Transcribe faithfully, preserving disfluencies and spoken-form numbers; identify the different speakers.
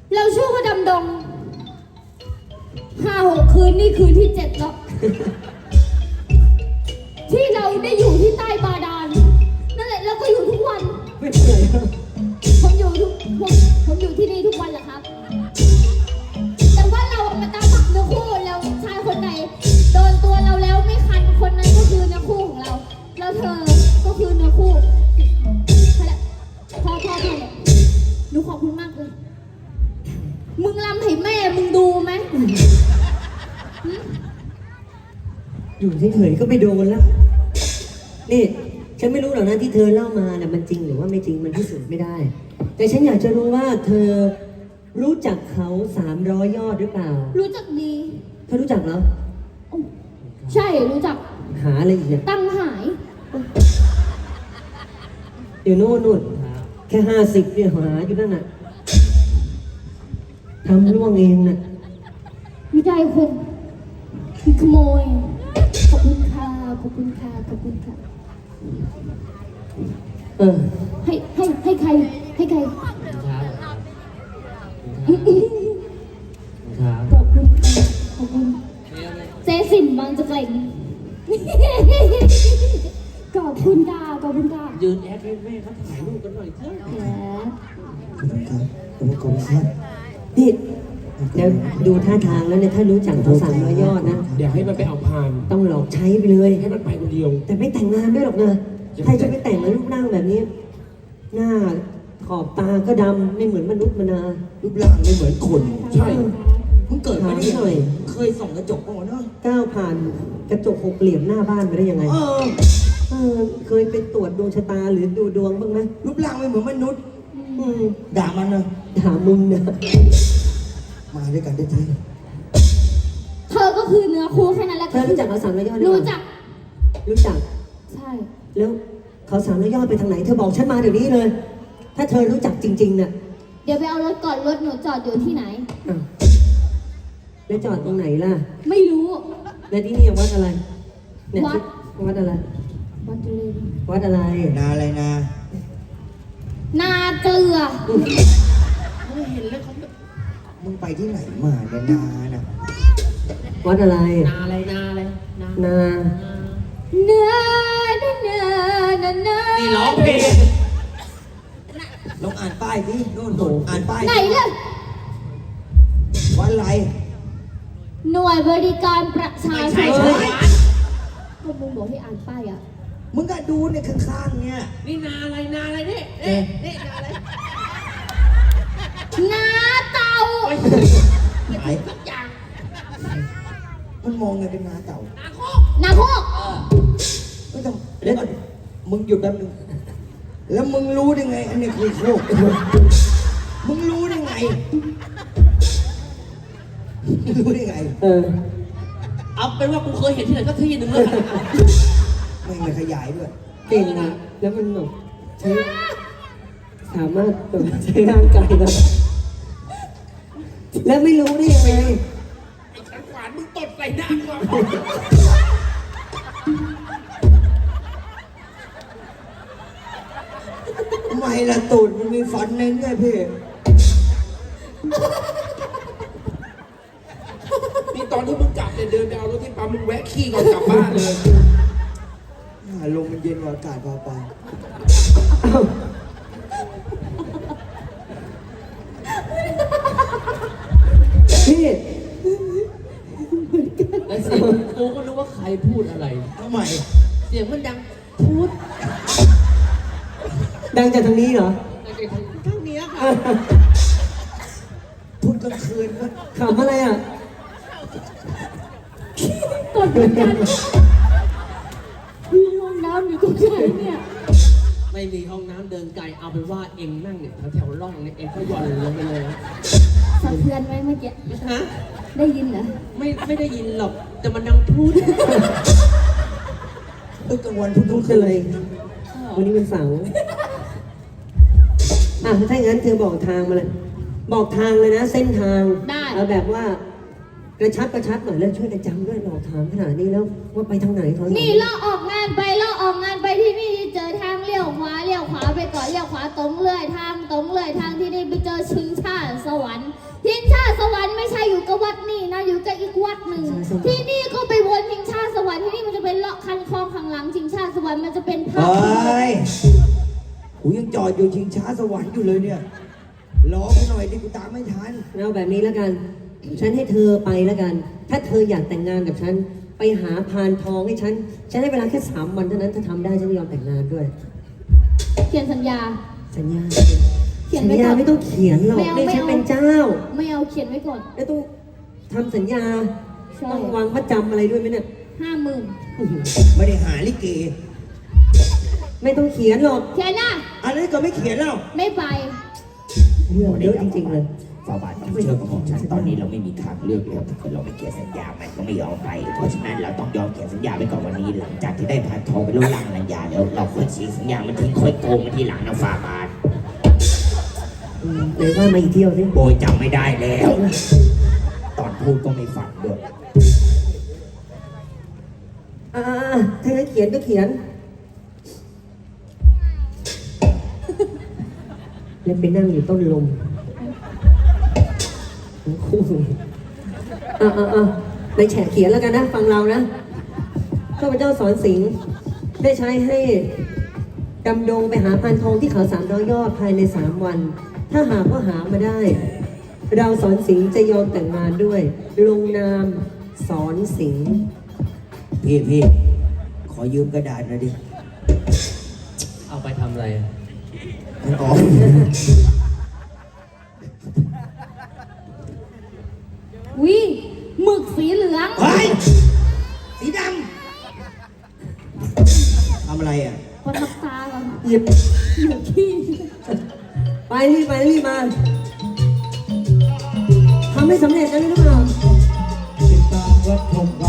Speaker 1: เราชื่อว่าดำดงห้าหกคืนนี่คืนที่เจ็ดแล้ว ที่เราได้อยู่ที่ใต้บาดาลนั่นแหละเราก็อยู่ทุกวัน
Speaker 2: ไม่เหนื่อยครับ
Speaker 1: ผมอยู่ทุกผมผมอยู่ที่นี่ทุกวันแหละครับ แต่ว่าเรามาตามฝักเนื้อคู่แล้วชายคนไหนโดนตัวเราแล้วไม่คันคนนั้นก็คือเนื้อคู่ของเราแล้วเธอก็คือเนื้อคู่พอแล้วพอพอพอเลยหนูขอบคุณมากเลยมึงรำให้แม่มึงดูไหม
Speaker 2: อยู่เฉยๆก็ไม่โดนแล้วนี่ฉันไม่รู้หรอกนะที่เธอเล่ามาน่ะมันจริงหรือว่าไม่จริงมันพิสูจน์ไม่ได้ แต่ฉันอยากจะรู้ว่าเธอรู้จักเขาสามร้อยยอดหรือเปล่า
Speaker 1: รู้จักดี
Speaker 2: เธอรู้จักเหรอ
Speaker 1: ใช่รู้จัก
Speaker 2: หาอะไรอีกเนี่ย
Speaker 1: ตั้งหาย
Speaker 2: เดี๋ยวโน่นนู่นแค่ห้าสิบเนี่ยหาอยู่นั่นน่ะทำร่วงเองน่ะ
Speaker 1: ไม่ได้คนคือขโมยขอบคุณค่ะขอบคุณค่ะขอบคุณค่ะ
Speaker 2: เออ
Speaker 1: ให้ให้ให้ใครให้ใคร
Speaker 3: ครับ
Speaker 1: ขอบคุณค่ะขอบคุณเจสินบางจะเกล่งขอบคุณค่ะขอบคุณค่ะ
Speaker 3: ยืนแอดให้แม่เขาถ่ายรูปกันหน่อยเถอะ
Speaker 1: แหม
Speaker 4: ขอบคุณครับขอบคุณครับ
Speaker 2: นี่เดี๋ยวดูท่าทางแล้วเนี่ยถ้ารู้จักเขาสามร้อยยอดนะ
Speaker 3: เดี๋ยวให้มันไปเอาพาน
Speaker 2: ต้องหลอกใช้ไปเลย
Speaker 3: ให้มันไปคนเดียว
Speaker 2: แต่ไม่แต่งงานด้วยหรอกนะใครจะไปแต่งมารูปร่างแบบนี้ หน้าขอบตาก็ดำไม่เหมือนมนุษย์มนา
Speaker 4: รูปร่างไม่เหมือนคน
Speaker 3: ใช่
Speaker 4: เพิ่งเกิดมาได้ยัง
Speaker 2: หน่
Speaker 4: ไง
Speaker 2: อย
Speaker 4: เคยส่องกระจกป่ะเนาะ
Speaker 2: ก้าวผ่านกระจกหกเหลี่ยมหน้าบ้านไปได้ยังไง
Speaker 4: เออ
Speaker 2: เออเคยไปตรวจดวงชะตาหรือดูดวงบ้างไหม
Speaker 4: รูปร่างไม่เหมือนมนุษย์
Speaker 2: อืม
Speaker 4: ด่ามันนะ
Speaker 2: ถามมึงนะ
Speaker 4: มาด้วยกันได้ที
Speaker 1: เธอก็คือเนื้อคู่แค่นั้นแหละ
Speaker 2: เธอรู้จักเขาสามร้อยยอดหรือเป
Speaker 1: รู้
Speaker 2: ล่า
Speaker 1: จัก
Speaker 2: รู้จัก
Speaker 1: ใช่
Speaker 2: แล้วเขาสามร้อยยอดไปทางไหน เธอบอกฉันมาเดี๋ยวนี้เลย ถ้าเธอรู้จักจริงๆน่ะ
Speaker 1: เดี๋ยวไปเอารถก่อนรถหนูจอดอยู่ที่ไหน
Speaker 2: อ้าวแล้วจอดตรงไหนล่ะ
Speaker 1: ไม่รู้
Speaker 2: แล้วที่นี่วัดอะไรเนี่ย
Speaker 1: วัด
Speaker 2: วัดอะไร
Speaker 1: วัดจุลิน
Speaker 2: วัดอะไร
Speaker 4: นาอะไรนา
Speaker 1: นาเกลือ
Speaker 3: ไม่เห็นแล้วเขา
Speaker 4: มึงไปที่ไหนมาเนี่ยนาน่ะ
Speaker 2: วัดอะไร
Speaker 3: นาอะไรนาอะไรนา
Speaker 2: นา
Speaker 1: เนื้อเนื้อเนื้อเนื้อเนื้อ
Speaker 3: นี่ร้องเพลง
Speaker 4: ลองอ่านป้ายดิโน่นโน่นอ่านป้าย
Speaker 1: ไหนล่ะ
Speaker 4: วัดอะไร
Speaker 1: หน่วยบริการประชา
Speaker 3: ไม่
Speaker 1: ช
Speaker 3: ใช่
Speaker 1: น
Speaker 3: ใช่
Speaker 1: ก็มึงบอกให้อ่านป้ายอ่ะ
Speaker 4: มึงก็ดูเนี่ยข้างๆเนี่ย
Speaker 3: นี่นาอะไรนาอะไรนี่เอ๊ะนี่นาอะไร
Speaker 1: นาเต่า
Speaker 3: โอ้ย
Speaker 4: ไหน
Speaker 3: ทุกอย่าง
Speaker 4: มันมองไงเป็นนาเต่า
Speaker 3: นาโคก
Speaker 1: นาโคก
Speaker 3: เออ
Speaker 4: ไม่ต้องแล้วก่อนมึงหยุดแป๊บนึงแล้วมึงรู้ได้ไง อันนี้คือโคกมึงรู้ได้ไงรู้ได้ไง
Speaker 2: เออ
Speaker 3: เอาเป็นว่ากูเคยเห็นที่ไหนก็ที่หนึ่งเลย
Speaker 4: ไม่มาขยายด้วย
Speaker 2: เก่งนะแล้วมันแบบใช้สามารถแบบใช้ร่างกายนะแล้วไม่รู้ได้ยังไง
Speaker 3: ไอ้ขันขวานมึงตดใส่หน้ากูอะ
Speaker 4: ทำไมล่ะตูดมันมีฟันเน้นไงพี่
Speaker 3: นี่ตอนที่มึงกลับเนี่ยเดินไปเอารถที่ปั๊มมึงแวะขี้ก่อนกลับบ้านเลย
Speaker 4: ลมมันเย็นกว่าอากาศเบาไป
Speaker 2: พี่
Speaker 3: แล้วเสียงกูก็รู้ว่าใครพูดอะไร
Speaker 4: ทำไม
Speaker 3: เสียงมันดังพูด
Speaker 2: ดังจากทางนี้เหรอ
Speaker 3: เท่านี้ค่ะ
Speaker 4: พูดกลางคืนก็
Speaker 2: ขำอะไรอ่ะ
Speaker 1: กดเหมือนกันมีห้องน้ำอยู่ตรงไหนเนี่ย
Speaker 3: ไม่มีห้องน้ำเดินไกลเอาเป็นว่าเอ็งนั่งเนี่ยแถวๆร่องเนี่ยเอ็งก็หย่อนลงไปเลย
Speaker 1: สะเทือนไหมเมื่อกี้
Speaker 3: ฮะ
Speaker 1: ได้ยินเหรอ
Speaker 3: ไม่ไม่ได้ยินหรอกแต่มันดังพูด
Speaker 4: เออกลางวันพูดกลาง
Speaker 2: พู
Speaker 4: คื
Speaker 2: ด
Speaker 4: น
Speaker 2: เลย วันนี้เป็นเสาร์อ่ะถ้าอย่างนั้นเธอบอกทางมาเลย บอกทางเลยนะ เส้นทาง
Speaker 1: ได้
Speaker 2: เอาแบบว่ากระชับกระชับหน่อยแล้วช่วยกันจำด้วยบอกทางขนาดนี้แล้วว่าไปทางไหนเขา
Speaker 1: นี่ล่อออกงานไปล่อออกงานไปที่นี่เจอทางเลี้ยวลี้ยวขวาเลี้ยวขวาไปก่อนเลี้ยวขวาตรงเลยทางตรงเลยทางที่นี่ไปเจอชิงชาสวรรค์ชิงชาสวรรค์ไม่ใช่อยู่กับวัดนี่นะอยู่กับอีกวัดหนึ่งที่นี่ก็ไปวนชิงชาสวรรค์ที่นี่มันจะเป็นเลาะคันคลองข้างหลังชิงชาสวรรค์มันจะเป็นภา
Speaker 4: เฮ
Speaker 1: พ
Speaker 4: ้ยกูยังจอดอยู่ชิงช้าสวรรค์อยู่เลยเนี่ยรอกูหน่อยดิกูตามไม่ทัน
Speaker 2: เอาแบบนี้แล้วกัน ฉันให้เธอไปแล้วกัน ถ้าเธออยากแต่งงานกับฉัน ไปหาพานทองให้ฉัน ฉันให้เวลาแค่สามวันเท่านั้น ถ้าทำได้ฉันจะยอมแต่งงานด้วย
Speaker 1: เขียนสัญญา
Speaker 2: สัญญา
Speaker 1: เขียน
Speaker 2: สัญ
Speaker 1: ไว้
Speaker 2: ญา
Speaker 1: ก่อน
Speaker 2: ไม่ต้องเขียนหรอก
Speaker 1: ไม่เอา
Speaker 2: นี่
Speaker 1: ไม่
Speaker 2: ฉัน
Speaker 1: เอา
Speaker 2: เป็นเจ้า
Speaker 1: ไม่เอาเขียนไว้ก่อน
Speaker 2: แล้วต้องทำสัญญา
Speaker 1: ใช่
Speaker 2: ต้องวางมัดจำอะไรด้วยไหมเนี่ย
Speaker 1: ห้าหมื่น
Speaker 2: อื้อหือ
Speaker 4: ไม่ได้หาลิเก
Speaker 2: ไม่ต้องเขียนหรอก
Speaker 1: เขียนนะ
Speaker 4: อันนั้นก็ไม่เขียนแล้ว
Speaker 1: ไม่ไป
Speaker 2: เรื่องเยอะจริงๆเลย
Speaker 5: ฝ่าบาทต้องเชื่อของฉันตอนนี้เราไม่มีทางเลือกแล้วถ้าเกิดเราไม่เขียนสัญญามันก็ไม่ยอมไป เพราะฉะนั้นเราต้องยอมเขียนสัญญาไปก่อนวันนี้หลังจากที่ได้ผ่านทองไปลดล่างสัญญาแล้วเราค่อยฉีกสัญญามันทิ้งค่อยโกงมันทีหลังนะฝ่าบาท
Speaker 2: อืมเลยว่ามาอีกเที่ยวสิ
Speaker 5: โบยจำไม่ได้แล้ว ตอนพูดก็ไม่ฟังด้วย
Speaker 2: อ่าๆถ้างั้นเขียนก็เขียน แล้วไปนั่งอยู่ต้นลมทั้งคู่อ่าอ่าอ่าในแฉะเขียนแล้วกันนะ ฟังเรานะข้าพเจ้าสอนสิงห์ได้ใช้ให้ดำดงไปหาพานทองที่เขาสามร้อยยอดภายในสามวัน ถ้าหากว่าหามาได้ เราสอนสิงห์จะยอมแต่งงานด้วย ลงนามสอนสิงห์
Speaker 4: พี่พี่ขอยืมกระดาษหน่อยดิ
Speaker 3: เอาไปทำอะไร
Speaker 4: มันออก
Speaker 1: วิหมึกสีเหลือง
Speaker 4: เฮ้ยสีดำทำอะไรอ่ะ
Speaker 1: พอทับตาก่อน
Speaker 2: หยิบ
Speaker 1: อยู่ที่
Speaker 2: ไปรีบไปรีบมาทำให้สำเร็จนะหรือเปล่า
Speaker 4: ติดตามรับชม